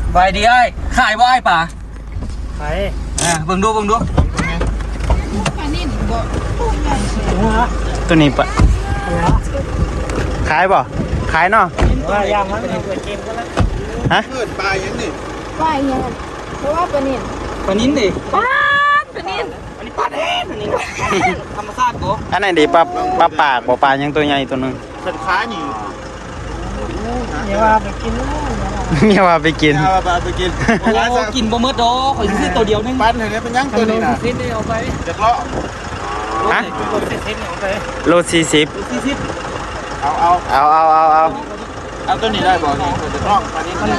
ใบดีไอ้ขายบ่ไอ้ป่าขายเบิ่งดูปลานิ่นบ่ตัวนี้ปะขายบ่ขายเนาะว่ายามมันเป็นเกมก็แล้วฮะปลายังนี่ปลาอย่างเพราะว่าปลานิ่นดิปลานิ่นอันนี้ปลาแดงอันนี้ธรรมชาติบ่อันไหนดีปลาปากบ่ปลายังตัวใหญ่ตัวนึงสันค้านี่เนี่ยว่าไปกินเมียว่าไปกินโอ้กินบ่หมดดอกข่อยซื้อตัวเดียวนึงปั้นเห็นไหมเป็นยังตัวนี้นะซิดเอาไปจะเลาะฮะโล40เอาตัวนี้ได้บ่นี่จะเลาะปลานี้ฮะ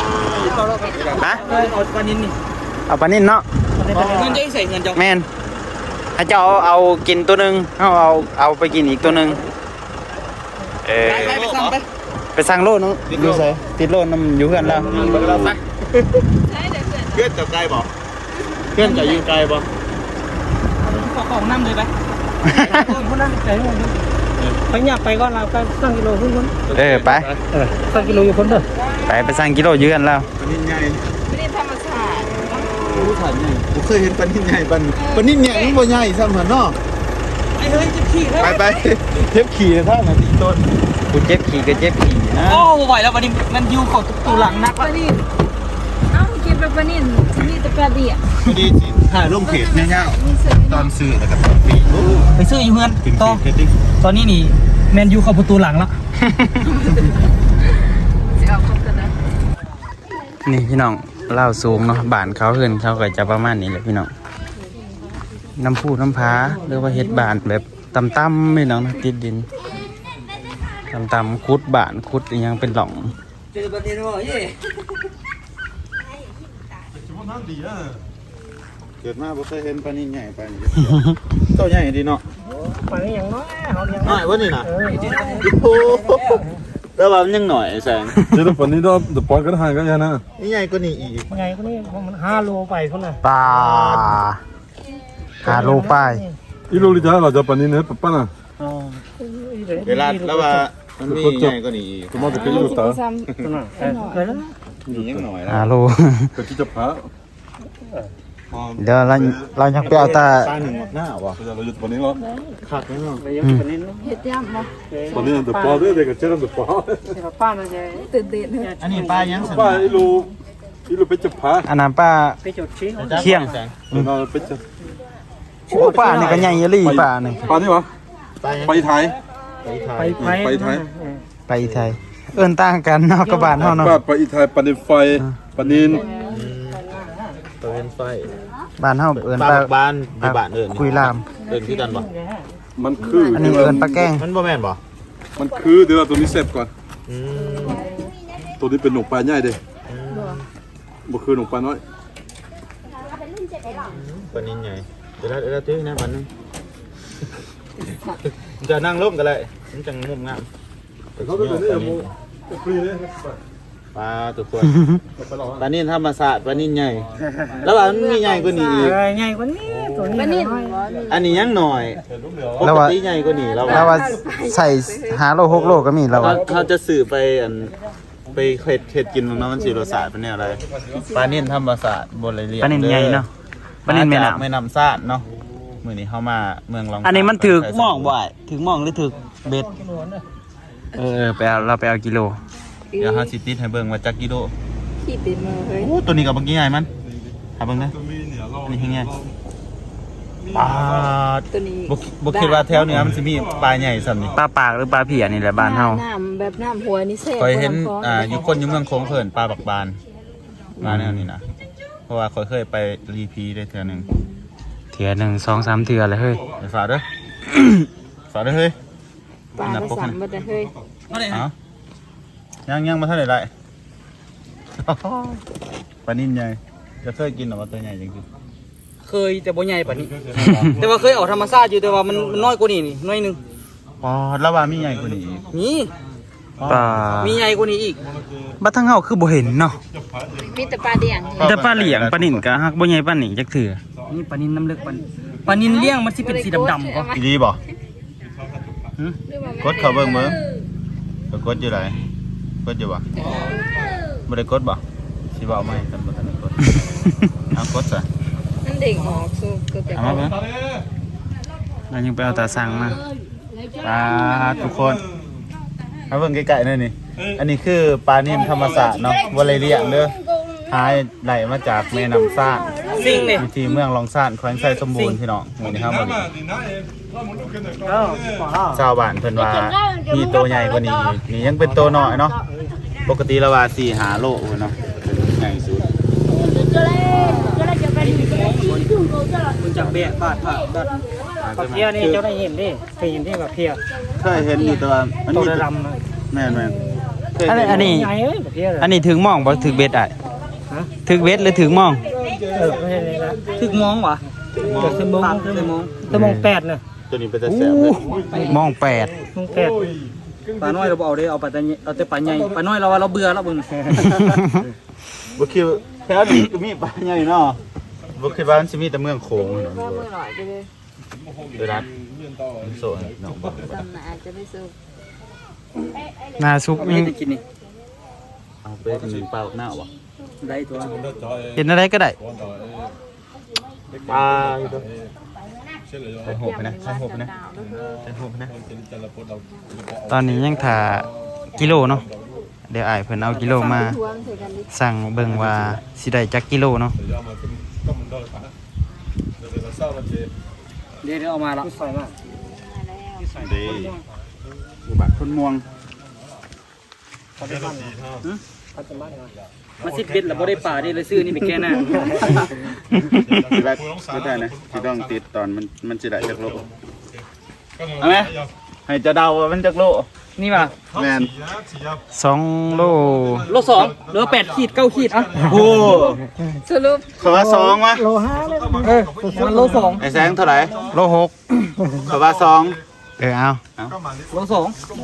เอาปลานินนี่เอาปลานิ่นเนาะเงินจะใส่เงินจังแม่นให้เจ้าเอากินตัวนึงเอาไปกินอีกตัวนึงไปสั่งโลนึงอยู่ไสติดโลน้ำอยู่เพื่อนแล้วเราไปเพื่อนจะไกลบ่เพื่อนจะอยู่ไกลบ่ของน้ำเลยไปคนนั้นใจหมดไปหยับไปก่อนเราไปสั่งกิโลขึ้นคนไปสั่งกิโลอยู่คนเด้อไปสั่งกิโลเยือนแล้วปลานิ่นใหญ่ไม่ได้ธรรมชาติรู้ทันใหญ่ผมเคยเห็นปลานิ่นใหญ่ปลานิ่นใหญ่ยังบ่ใหญ่ซ้ำหันเนาะไอ้เฮ้ยจะขี่ไปเทปขี่ท่านน่ะตีต้นกูเจ็บขี่ก็เจ็บขี่นะโอ้ไหวแล้ววันนี้มันยูของตัวหลังนักปลานิ่นกินปลานิ่นมีแต่ปลาเดี่ยดีจริงถ่ายลงเพจเงี้ยตอนซื้อแล้วก็ตอนปีไปซื้ออยู่เพื่อนตอนนี้นี่แมนยูเข้าประตูหลังแล้วนี่พี่น้องเล่าสูงเนาะบ้านเขาเฮือนเขาก็จะประมาณนี้แหละพี่น้องน้ำพุน้ำพ้าหรือว่าเฮ็ดบ้านแบบต่ำๆพี่น้องนะติดดินต่ำๆคุดบ้านคุดยังเป็นหล่องเจอประเด็นว่าเย่เกิดมาบ่เคยเห็นปลานิ่นใหญ่ปลานี้ตัวใหญ่ดีเนาะปลานี้อย่างน้อยเขาเลี้ยงน้อยวะนี่นะโอ้แล้วว่ามันยังหน่อยแสงเดี๋ยวปนี้เราปล่อยกันห่างกันยังนะนี่ใหญ่กว่านี้อีกใหญ่กว่านี้มัน5 โลไปคนน่ะปลา5 โลไปอีโลลิจ้าเราจะปนี้เนี่ยป้าน่ะเวลาแล้วว่ามันมีใหญ่กว่านี้อีกสมมติเป็นอีโลตานี่ยังหน่อย 5 โลเป็นที่จะพาเดี๋ยวเรายังไปเอาตาปลาหนึ่งหน้าวะเราอยู่ปนี้เหรอขาดไหมเนาะเห็ดย่ำบ่ปนี้เดือดปลาด้วยเด็กกับเจ้าเดือดปลาป้าน่ะใหญ่ตื่นเต้นอันนี้ปลายังปลาอีโลเป็นจะพาอันนั้นป้าไปจดชี้เคียงเราเป็นจะป้านี่ก็ใหญ่ยี่ป้านี่ปลานี่วะไปไทยไปไทยเอิ้นต่างกันเนาะกับบ้านเฮาเนาะไปไทยปลานินไฟปลานินปลานินไฟบ้านเฮาเอิ้นปลาบ้านบ้านเอิ้นคุยลามเอิ้นคือกันบ่มันคืออันนี้เอิ้นปลาแก้งมันบ่แม่นบ่มันคือเดี๋ยวตัวนี้เสร็จก่อนตัวนี้เป็นหนกปลาใหญ่เด้บ่คือหนกปลาน้อยปลานินใหญ่เดี๋ยวตื้อนะมันนึงจะนั่งร่มกันเลยมันจังงุ่มงามปลาตัวคนปลานิ่นธรรมศาสตร์ปลานิ่นใหญ่แล้วว่ามันมีใหญ่กว่านี้อีกใหญ่กว่านี้ตัวนี้อันนี้ยังหน่อยปกติใหญ่กว่านี้แล้วว่าใส่5 โล 6 โลก็มีแล้วเขาจะสื่อไปไปเฮ็ดกินของน้องมันสิรสชาติเป็นแนวอะไรปลานิ่นธรรมศาสตร์บ่เลยเรียกปลานิ่นใหญ่เนาะปลานิ่นแม่น้ำซาดเนาะมื้อนี้เฮามาเมืองลองอันนี้มันถึกหม่องบ่ถึกหม่องหรือถึกเบ็ดไปเอาเราไปเอากิโลเดี๋ยวเฮาสิติดให้เบิ่งว่าจักกิโลขี้ติดมือเฮ้ยโอ้ตัวนี้ก็บ่กี่ใหญ่มันหาเบิ่งนะอันนี้แฮงใหญ่ปลาตัวนี้บ่คิดว่าแถวเหนือมันสิมีปลาใหญ่ส่ำนี้ปลาปากหรือปลาเพียนี่แหละบ้านเฮาน้ำแบบน้ำหัวนี่แซ่บค่อยเห็นอยู่คนอยู่เมืองโค้งเพิ่นปลาบักบานมาแนวนี้นะเพราะว่าค่อยเคยไปรีพีได้เทื่อนึง 2 3 เทื่อเลยเฮ้ยไปฝากเด้อฝากเด้อเฮ้ยปลา3บ่ได้เฮ้ยยังมาเท่าไหร่ได้ปลานิ่นใหญ่จะเคยกินหรอว่าตัวใหญ่จริงเคยแต่บ่ใหญ่ปานนี้แต่ว่าเคยออกธรรมชาติอยู่แต่ว่ามันน้อยกว่านี้นี่น้อยนึงอ๋อแล้วว่ามีใหญ่กว่านี้มีปลามีใหญ่กว่านี้อีกบ้านทางเฮาคือบ่เห็นเนาะมีแต่ปลาเลี้ยงแต่ปลาเลี้ยงปลานิ่นก็ฮักบ่ใหญ่ปานนี้จักเทื่อนี่ปลานิ่นน้ำลึกปลานิ่นเลี้ยงมันสิเป็นสีดำๆก็ดีบ่กดเข้าเบิ่งมื้อกดอยู่ไหนกดอยู่บ่บ่ได้กดบ่สิบอกไม่กันบ่ทันกดเอากดซะนั่นเด็กออกสู้ก็แต่เอามาเบิ่งเรายังไปเอาตาสั่งมาปลาทุกคนมาเบิ่งใกล้ๆหน่อยนี่อันนี้คือปลานิ่มธรรมศาสตร์เนาะบ่ได้เลี้ยงเด้อหายไหลมาจากแม่น้ำซ่านสิ่งนี่อยู่ที่เมืองลองซ่านแขวงไซสมบูรณ์พี่น้องมื้อนี้ครับบ่ได้ชาวบ้านเพิ่นว่ามีตัวใหญ่กว่านี้อีกนี่ยังเป็นตัวน้อยเนาะปกติแล้วว่า4-5 โลเนาะใหญ่สุดมึงจับเบี้ยบาดปลาเพี้ยนี่เจ้าได้เห็นดิเคยเห็นที่ปลาเพี้ยเคยเห็นอยู่แต่ว่ามันตัวมีดำเลยแม่นๆเคยอันเห็นี้นอันนี้ใหญ่เอ้ยปลาเพี้ยเลยอันนี้ถึงหมองบ่ถึงเบ็ดอ่ะฮะถึงเบ็ดหรือถึงหมองไม่ใช่เลยนะถึงมองวะถึงมองถึงมองถึงมอง8น่ะตัวนี้เป็นตะแสบเลยหมอง8 มอง8ปลาน้อยเราเอาได้เอาปลาเอาแต่ปลาใหญ่ปลาน้อยเราว่าเราเบื่อแล้วบึงบ่คิดว่าแถวนี้ก็มีปลาใหญ่เนาะบ่คิดว่ามันสิมีแต่เมืองโขงเนาะว่ามือหน่อยไปเลยเด้อรัดโซนเนาะบ่จำหนาจะไม่สู้หนาซุปไม่ยังได้กินนี่เอาไปกินปลาหน้าบ่ได้ตัวเห็นอะไรก็ได้ปลาอยู่เด้อใส่หูไปนะใส่หูไปนะใส่หูไปนะตอนนี้ยังถ่ากิโลเนาะเดี๋ยวอ้ายเพิ่นเอากิโลมาทวงใส่กันดิสั่งเบิ่งว่าสิได้จักกิโลเนาะเดี๋ยวเอามาละใส่มาเด้อุบัติคนม่วงมาสิเป็ดแล้วบ่ได้ปลาได้เลยซื้อนี่ไปแก้หน้าสิได้ไม่ได้นะสิต้องติดตอนมันสิได้จักโลเอาไหมให้จะเดาว่ามันจักโลนี่ป่ะแม่น 2 โลโล2เหลือ8ขีด9ขีดอ่ะโอ้สรุปเขาว่า2วะโล5เลยมันโล2 ไอ้แสงเท่าไหร่โลเขาว่า2 6เอาโล2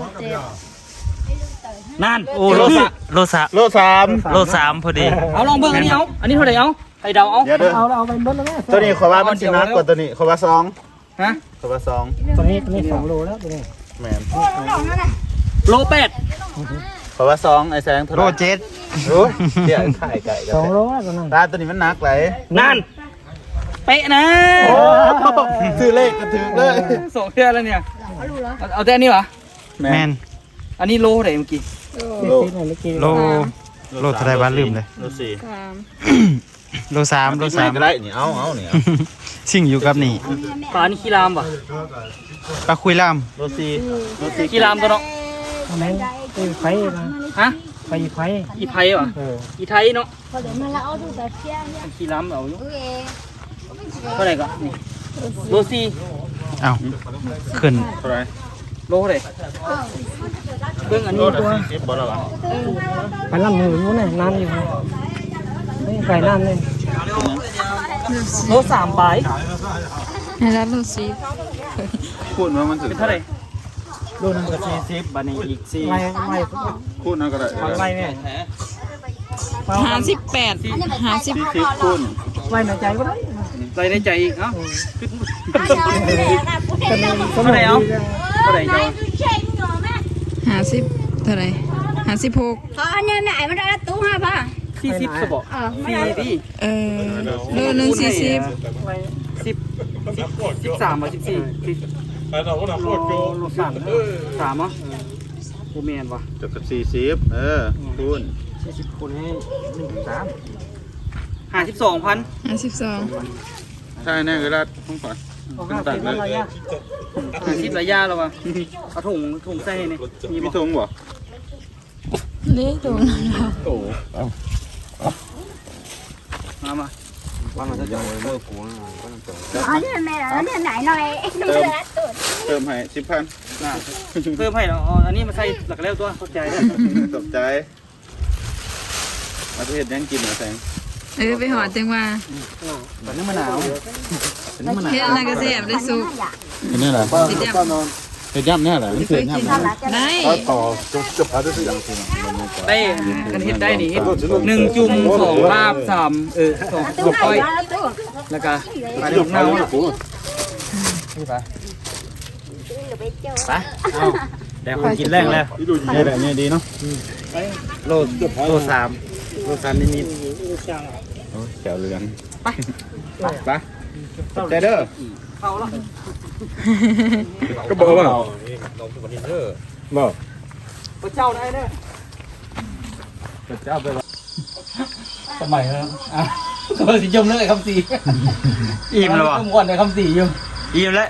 นั่นโอ้โลโลสามโล3 โล3พอดีเอาลองเบิ่งอันนี้เอาอันนี้เท่าไหร่เอาให้เดาเอาเดี๋ยวเด้อเอาไปเบิ่งแล้วแม่ตัวนี้เขาว่ามันสิหนักกว่าตัวนี้เขาว่า2 ฮะเขาว่า2 ตัวนี้2โลแล้วตัวนี้แม่นโล8 เขาว่า2ไอ้แสงเท่าไหโลร่ 7 โอ้ยเดี๋ยวถ่ายไก่กัน 2โลแล้วตัวนั้นตาตัวนี้มันหนักไหลนั่นเป๊ะนะโอ้ซื้อเลขกันถึงเลย 2เทื่อแล้วเนี่ยเอาแต่อันนี้เหรอแม่นอันนี้โลเท่าไหร่เมื่อกี้โลโลโลเท่าไหร่บ้านลืมเลยโล4 ตามโล3โลก็ได้นี่เอานี่เอา 3สิ่งอยู่กับนี่ปลานี่ขี้รามป่ะปลาคุยล่ามโล4โล4 ขี้รามตัวเนาะแม่งไฟนะฮะไฟอีไผ่ป่ะอีไทยเนาะมาแล้วเอาดูแต่เพี้ยเนี่ยขี้รามเอาอยู่โอเคเท่าไหร่ก็นี่โล4 เอ้าขึ้นเท่าไหร่โลเท่าไหร่เบิ่งอันโลนี้ละตัว 40บ่ล่ะวะไปน้ำมือนู้นน่ะน้ำอยู่ไม่ไฟน้ำเลยโล3ใบให้รับดูสิคูณว่ามันถึงเป็นเท่าไหร่โลนึงก็40บัดนี้อีก4 ไล่คูณเอาก็ได้ไล่แม่ 58 40คูณไล่ในใจก็ได้ไรในใจอีกเอ้าแต่มันเท่าไหร่เอาเท่าไหร่เจ้า 50เท่าไหร่56 Anh ơi, mẹ mà đã tú ha ba. 40สบ4ดิโลนึง40 10 13บ่14โล3เหรอโอ้แม่นว่ะจบกับ40คูณ 40คนให้1.3 52,000 52 ใช่แน่เวลาต้องขอเอา50แล้วอะไรอ่ะ 50ระยะแล้วว่ะเอาถุงใส่ให้นี่มีมีบ่ธงบ่เละตรงนั้นแล้วโอ้มา Anh ơi, mẹ đã lên này nói em đã tuổi. เติมให้10,000 น่ะเพิ่มให้แล้วอันนี้มาใส่หลักแล้วตัวเข้าใจได้ตกใจมาเทศยังกินเหรอแสงไปหอดจังว่าแบบนี้มะนาวเฮ็ดอะไรก็แซ่บได้สุกเห็นนี่แหละสิจับเห็นย่ำเนี่ยแหละเสือย่ำได้ต่อจบอะไรสักอย่างได้กันเฮ็ดได้นี่เฮ็ด1 จุ่ม2ลาบ32ก้อย Đã tuổi. แล้วก็ปลาดุกเน่านี่ไปเอาเดี๋ยวคนกินแรงแล้วนี่แบบนี้ดีเนาะโล3 รสชาตินิดโอ้ยแก้วเหลืองไปใจเด้อเข้าแล้วก็บอกว่าบอกพระเจ้าได้เด้อพระเจ้าไปว่าสมัยแล้วอ่ะก็สิยมเลยคำสี่ๆอิ่มแล้วบ่ต้องวนในคำสี่ยมอิ่มแล้ว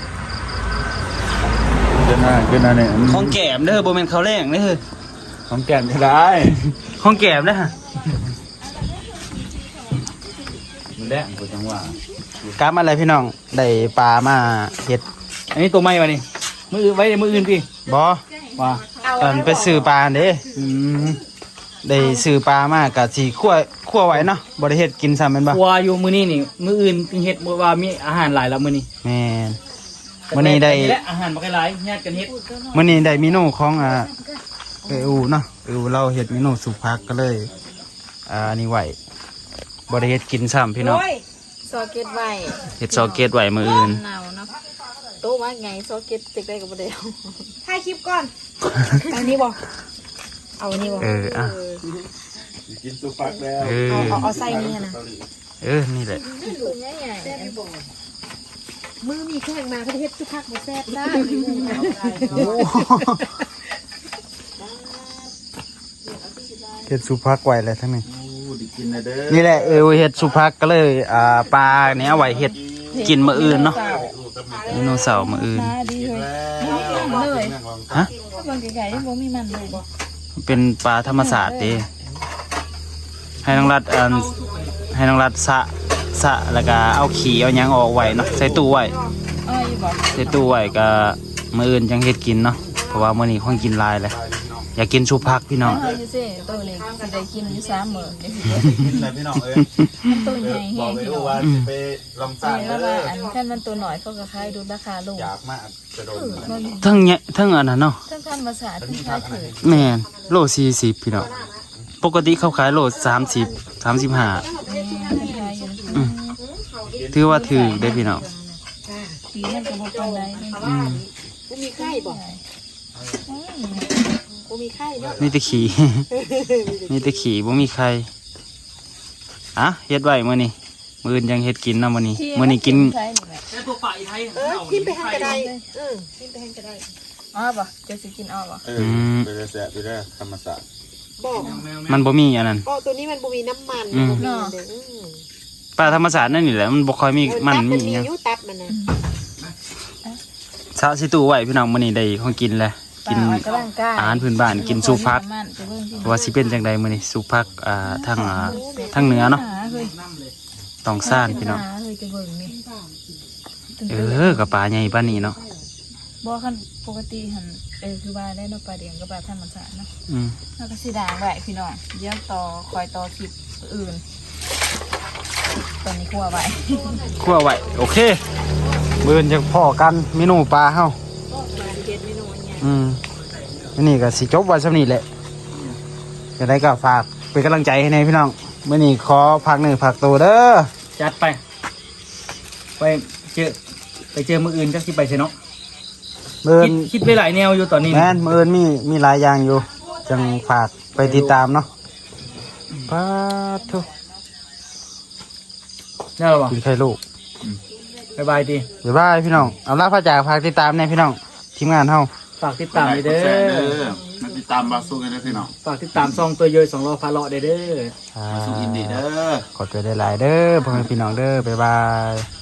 ขึ้นหน้าเนี่ยของแก้มเด้อบ่แม่นข้าวแรงเด้อของแก้มก็ได้ของแก้มเด้อฮะมันแดงกูจังหวะกลับมาเลยพี่น้องได้ปลามาเฮ็ดอันนี้ตัวใหม่วะนี่มือไว้ในมืออื่นพี่บ่ว่าตอนไปซื้อปลาเด้ได้ซื้อปลามากะสิคั่วไว้เนาะบ่ได้เฮ็ดกินซ้ำแม่นบ่กลัวอยู่มือนี่มืออื่นเฮ็ดว่ามีอาหารหลายแล้วมือนี่แม่นมื้อนี้ได้และอาหารบ่หลายญาติกันเฮ็ดมื้อนี้ได้เมนูของอูเนาะเราเฮ็ดเมนูสุกผักก็เลยอันนี้ไว้บ่ได้เฮ็ดกินซ้ำพี่น้องซอเก็ตไว้เฮ็ดซอเกตไว้มื้ออื่นหนาวเนาะโตว่าไงซอเก็ตติดได้กับบ่ได้เอาถ่ายคลิปก่อนเอานี้บ่เอานี้บ่อ่ะกินสุฟักแล้วเอาใส่นี่นะนี่แหละตัวใหญ่มือมีแข้งมาก็เฮ็ดสุพักบ่แซ่บได้เฮ็ดสุกผักไว้แล้วทั้งนี้ดิกินนะเด้อนี่แหละเฮ็ดสุกผักก็เลยปลาเนี้ยไว้เฮ็ดกินมื้ออื่นเนาะเมนูเสาร์มื้ออื่นดีเลยบ่มีมันเลยฮะถ้าเบิ่งไกลๆยังบ่มีมันเลยบ่เป็นปลาธรรมศาสตร์เด้ให้น้องรัดให้น้องรัดสะแล้วก็เอาขี้เอาหยังออกไว้เนาะใส่ตู้ไว้อ้อยบ่ใส่ตู้ไว้ก็มื้ออื่นจังเฮ็ดกินเนาะเพราะว่ามื้อนี้คงกินหลายเลยอยากกินสุผักพี่น้องเฮาอยู่ซิตัวเล็กสิได้กินอยู่3มื้อเด้กินอะไรพี่น้องเอ้ยตัวใหญ่บแฮอกงไปพี่ดูน้องว่าสิไปลองสร้างแล้วเด้ว่าออันคันมันตัวน้อยเขาก็ขายดูราคาลงอยากมากกระโดดมันทั้งเนี่ยทั้งอันนั้นเนาะทั้งธรรมศาสตร์ทั้งขายถือแม่นโล40พี่น้องปกติเขาขายโล30 35 ขายอยู่ถือว่าถือได้พี่น้องปีนั้นก็บ่ปานใดกูมีไข้บอกกูมีไข้เนาะมีแต่ขี่ มีแต่ขี่บ่มีใครอ่ะเฮ็ดไว้มื้อนี้มื้ออื่นยังเฮ็ดกินเนาะมื้อนี้มื้อนี้กินแต่ตัวป่าอีไทยทิมไปทางกระไดทิมไปทางกระไดอ๋อบ่จะสิกินอ้อบ่ไปเลยแสะไปเลยธรรมศาสตร์บอกมันบ่มีอันนั้นก็ตัวนี้มันบ่มีน้ำมันอืมบ่มีเด้อปลาธรรมศาสตร์นั่นนี่แหละมันบ่ค่อยมีมันตับมีมีหยังอยู่ตับมันนะซะสิตู้ไว้พี่น้องมื้อนี้ได้ของกินแล้วกินกำลังกายอาหารพื้นบ้านกินสุผักว่าสิเป็นจังใดมื้อนี้สุผักทางเหนือเนาะต้องซ่านพี่น้องเฮ้ยจะเบิ่งนี่กับปลาใหญ่ปานนี้เนาะบ่คันปกติหั่นคือว่าได้เนาะปลาเดียงกับปลาธรรมศาสตร์เนาะอืมแล้วก็สิด่างไว้พี่น้องเดี๋ยวคอยต่อคลิปอื่นตอนนี้คั่วไว้คั่วไว้โอเคเบิ่นจะพอกันเมนูปลาเฮาอันนี้ก็สิจบไว้สำนี้แหละจะได้ก็ฝากเป็นกำลังใจให้ในพี่น้องมื้อนี้ขอพักหนึ่งพักตัวเด้อจัดไปเจอมืออื่นจักสิไปใช่เนาะเบิ่นคิดไปหลายแนวอยู่ตอนนี้แม่นมื้ออื่นมีหลายอย่างอยู่จังฝากไปติดตามเนาะปาทุได้หรอวะกินไข่ลูกบ๊ายบายดีบ๊ายบายพี่น้องเอาล่ะพระจ่าฝากติดตามในพี่น้องทีมงานเฮาฝากติดตามเด้อมาติดตามบาสู้กันนะพี่น้องฝากติดตามซองตัวเยย2 ล้อพาเลาะเด้อมาสู้อินดีเด้อขอตัวได้หลายเด้อพ่อแม่พี่น้องเด้อบ๊ายบาย